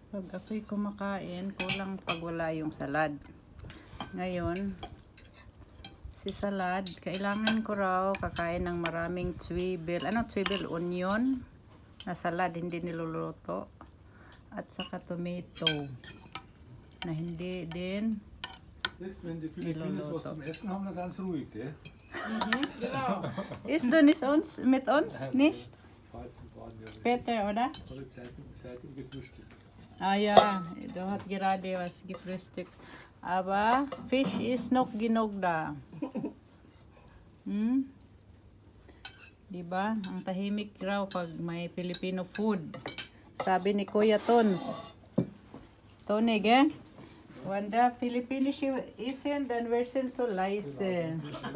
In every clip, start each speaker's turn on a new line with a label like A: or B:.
A: Pag ako'y kumakain, kulang pag wala yung salad. Ngayon, si salad, kailangan ko raw kakain ng maraming tswibel. Ano tswibel? Onion na salad, hindi niluluto. At saka tomato na hindi din
B: Wenn die Filipinos was zum Essen haben, dann sind sie ruhig, gell?
C: Genau.
A: Ist du nicht uns, mit uns? Nicht?
B: Falls sie baden, ja.
A: Später, oder?
B: Heute seit dem gefrühstückt.
A: Ah ja, du hat gerade was gefrühstückt. Aber Fisch ist noch genug da. Hmm? Diba? Ang tahimik raw pag may Filipino food. Sabi ni Kuya Tons. Tonig eh? Wanda, Filipinische essen, dann werden so leise.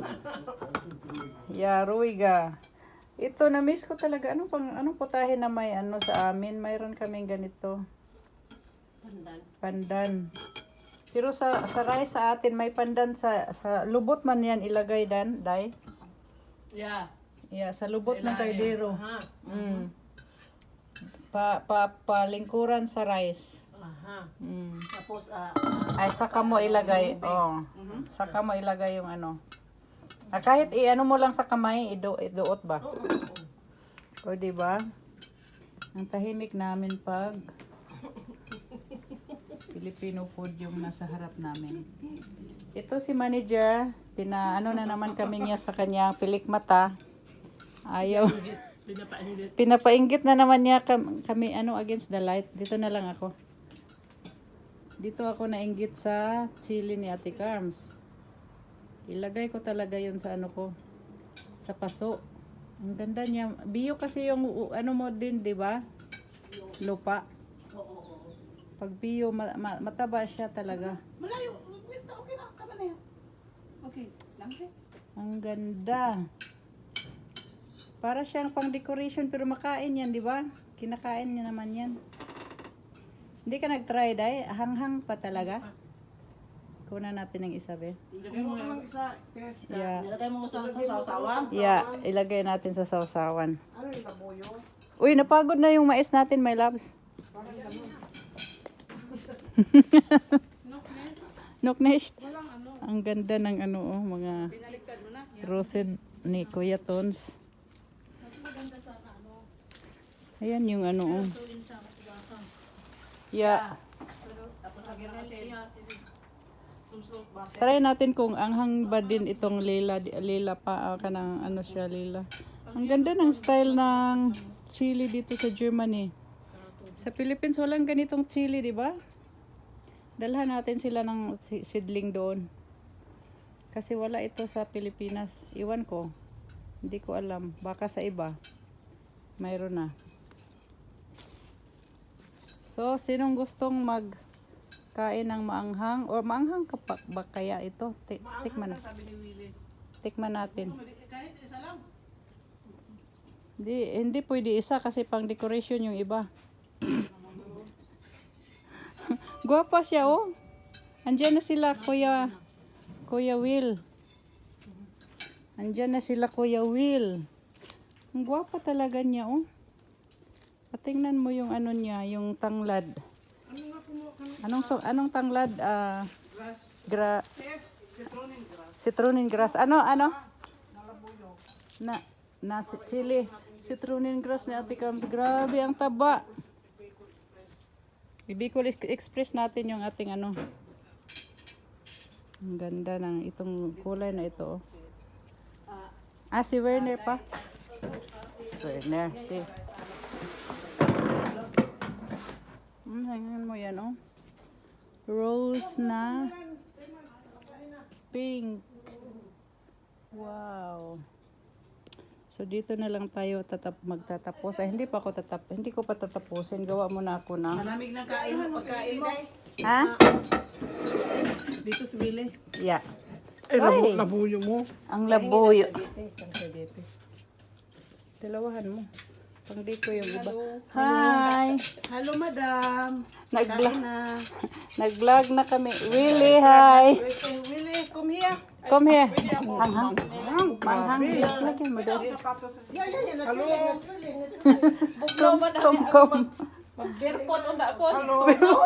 A: Ya, ruhiga. Ito, na-miss ko talaga. Anong putahe na may ano sa amin? Mayroon kaming ganito. Pandan. Pero sa rice sa atin, may pandan sa lubot man yan ilagay dan, day?
C: Ja.
A: Yeah, sa lubot ng kaldero.
C: Aha.
A: Mm. Palingkuran sa rice.
C: Aha.
A: Mm.
C: Tapos,
A: Ay, saka mo ilagay. Oh. Saka mo ilagay yung ano. Kahit i-ano mo lang sa kamay, iduot ba? O, diba? Ang tahimik namin pag Filipino food yung nasa harap namin. Ito si manager, pinaano na naman kami niya sa kanyang pilik mata. Ayaw. Pinapainggit na naman niya kami ano against the light. Dito na lang ako. Dito ako nainggit sa chili ni Ate Carms. Ilagay ko talaga yun sa ano ko. Sa paso. Ang ganda niya. Bio kasi yung ano mo din, di ba? Lupa. Pag bio, mataba siya talaga.
C: malayo. Okay na. Tama na yan. Okay. Lang siya.
A: Ang ganda. Para siyang pang decoration pero makain yan, di ba? Kinakain niya naman yan. Hindi ka nag-try, Day? Hanghang pa talaga. Kunan natin ng isa, be.
C: Ilagay mo lang isa.
A: Yeah.
C: Ilagay mo sa sausawan.
A: Yeah, ilagay natin sa sausawan.
C: Ano yung labuyo?
A: Uy, napagod na yung mais natin, my loves. Noknesh. Ang ganda ng ano, oh, mga
C: Pinaliktad mo na.
A: roasted ni Kuya Tons. Ayan yung ano, oh. Yeah.
C: Tapos lagyan mo siya.
A: Try natin kung anghang ba din itong lila pa kanang ano siya lila. Ang ganda ng style ng chili dito sa Germany. Sa Philippines walang ganitong chili, di ba? Dalhan natin sila ng seedling doon. Kasi wala ito sa Pilipinas. Iwan ko. Hindi ko alam. Baka sa iba. Mayroon na. So, sinong gustong magkain ng maanghang? O maanghang ka pa ba kaya ito? Tikman na.
C: Sabi ni Willie.
A: Tikman natin.
C: Kahit isa lang.
A: Hindi pwede isa kasi pang decoration yung iba. Guwapa siya, oh. Andiyan na sila, Kuya Will. Andiyan na sila, Kuya Will. Ang guwapa talaga niya, oh. Patingnan mo yung ano niya, yung tanglad. Anong tanglad? Citronin grass. Ano? Na chili. Citronin grass ni Ate Carms. Grabe, ang taba. Bicol Express natin yung ating ano. Ang ganda ng itong kulay na ito. Oh. Si Werner pa. Werner, si. Tingnan mo yan, oh. Rose na pink. Wow. So dito na lang tayo magtatapos. Ay, hindi ko pa tatapusin. Gawa muna ako na.
C: Malamig na kain mo. Pagkain mo.
A: Ha?
C: Dito si Willie.
A: Yeah.
B: Ay, labuyo mo.
A: Ang labuyo. Dalawahan mo. Pang dito yung iba. Hi!
C: Hello, madam.
A: Nag-vlog na kami. Willie, hi!
C: Willie, come here.
A: Come here. Hanghang. Manghang. Lagyan mo doon.
C: Hello.
A: Come.
C: Mag-beerpot unda ako.
B: Hello,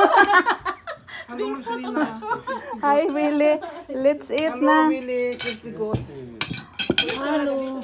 B: Selena.
A: Hi, Willie. Let's eat na.
B: Willie. Christy Goat.
C: Hello.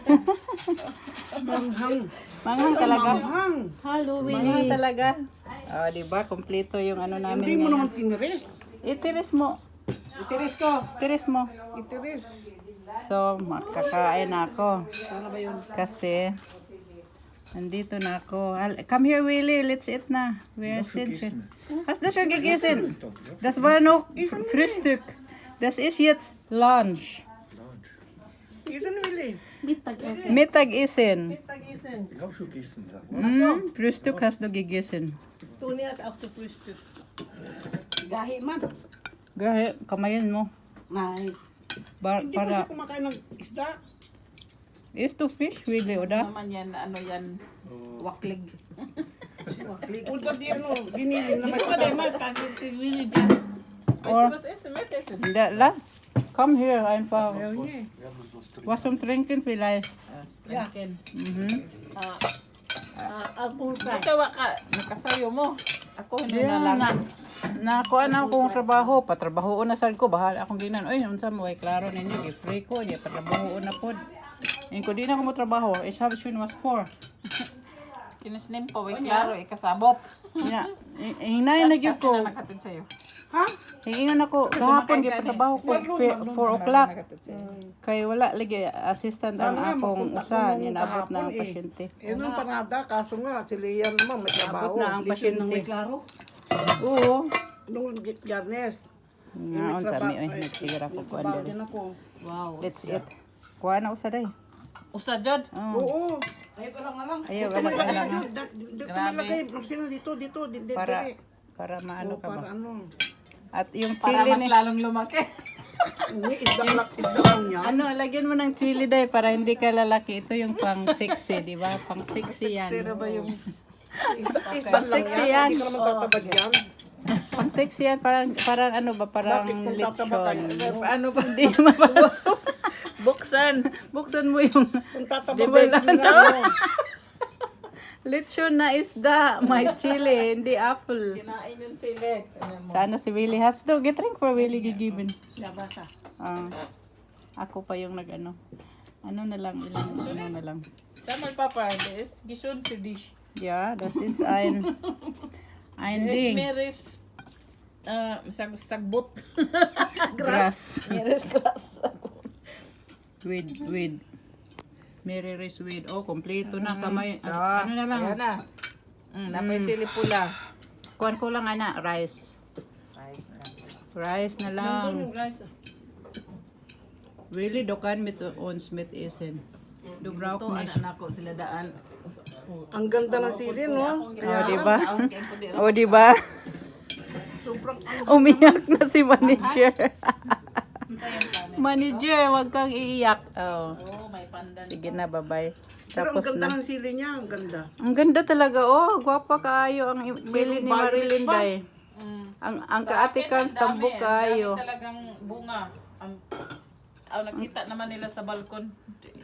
B: Manghang.
A: Manghang talaga.
B: Manghang.
C: Hello,
A: Manghang talaga. Oh, di ba? Kompleto yung ano namin
B: Hindi mo
A: ngayon.
B: naman tiniris.
A: Itiris mo.
B: Itiris ko.
A: Itiris mo.
B: Itiris.
A: So, makakain na ako.
B: Ano ba yun?
A: Kasi, nandito na ako. Come here, Willie. Let's eat na. Where sind wir? Hast du schon gegessen? Das war noch Frühstück. Das ist jetzt Lunch.
B: Isan, Willie.
C: Mittagessen.
A: Mittagessen.
B: Tagisan.
D: Ich habe schon gegessen. Ja.
A: Frühstück hast du gegessen.
C: Tuni at ako sa Frühstück. Gahi man.
A: Gahe, kamayin mo.
C: Nay.
B: Hindi pa siya
A: Para,
B: kumakain ng isda.
A: is to fish, Willie, oda?
C: Naman yan, ano yan, waklig.
B: Ulga di ano, ginilin na may
A: Or, hindi, la. Come here, einfach. Was zum Trinken vielleicht.
C: Yakin.
A: Mhm.
C: Alcoholfrei.
E: Ikaw ka, nakasayo mo. Ako hindi
A: Yeah,
E: na lang.
A: nakuha na akong trabaho. Patrabaho na sad ko. Bahala akong ginan. Uy, unsa mo kay klaro ninyo. Free ko. Di patrabaho na po. Ngayon ko di na ako mo trabaho. Ich habe schon was vor.
E: Kinisnim ko, klaro, ikasabot.
A: Yeah. Hinay na gyud
E: Kasi
A: ko.
E: na nakatid sa'yo.
B: Ha?
A: Hingingan ako. Kahapon gyud patrabaho ko. 4 o'clock. Kay wala lagi assistant ang
B: Sana nga,
A: akong
B: mapunta
A: usa.
B: ko nung
A: Ninabot na ang
B: kahapon, eh.
A: pasyente.
B: Eh, nung panada, kaso nga, si Leah naman may trabaho.
A: Abot na ang pasyente.
C: Klaro.
A: Oo.
B: Nung Garnes.
A: Ngaon sa mi. Uy, nagsigira ko kuan
B: Trabaho
A: diri.
B: din ako.
E: Wow.
A: Let's eat. Kuha na usa day.
E: Usa, Jod.
B: Oo.
C: Ayun ko lang nga lang.
A: Ayaw,
B: Ito
A: wala
B: malagay
A: lang.
B: yun. Dito malagay. Sino dito, dito.
A: Para maano
B: Oo,
A: ka ba?
B: para ano.
A: At yung
E: Para
A: chili
E: mas
A: ni...
E: lalong lumaki.
B: Hindi, isda lang yan.
A: Ano, lagyan mo ng chili day para hindi ka lalaki. Ito yung pang sexy, di ba? Pang sexy yan.
E: Sino ba yung...
B: Isda lang
A: Sexy
B: yan.
A: yan.
B: Hindi ka naman tatabad yan.
A: Pang sexy yan. Parang ano ba? Parang
B: Bakit kung tataba ka
A: lechon.
B: yan?
E: Ano ba?
A: Hindi mapapasok.
E: Buksan.
A: Buksan mo yung
B: Kung tataba
A: Di
B: ka
A: ba
B: yan,
A: lang?
B: ano.
A: lechon na isda. May chili, hindi apple.
E: Kinain yung sili.
A: Sana si Willie has to. Get drink for Willie gigiven.
C: Labasa.
A: Ako pa yung nag-ano. Ano na lang, ilang ano na lang.
E: Sa Papa, das ist gesund für dich.
A: Ja, das ist ein
E: Das ist
A: Ding.
E: Meeres sagbot.
A: Grass.
E: Meeres grass.
A: With Mary Rice with. Oh, kompleto na kamay.
E: So,
A: Ano na lang?
E: Ayan na. Napay sili pula.
A: Kuhan ko lang ana, rice. Rice na lang. Really, dokan mit ons mit isen. Du brauchst
E: Ito,
A: nicht.
E: anak ko sila daan.
B: Ang ganda ng sili, no?
A: Oh, di ba? Oh, di ba?
B: Sobrang
A: Umiyak na si manager. Manager, wag kang iiyak. Oh.
E: Oh, may pandan.
A: Sige na, bye-bye.
B: Pero ang
A: Tapos
B: ganda
A: na.
B: ng sili niya, ang ganda.
A: Ang ganda talaga. Oh, gwapa kaayo ang sili ni Marilyn Day. Ang kaati kang tambok kaayo.
E: Talagang bunga. Nakita naman nila sa balkon.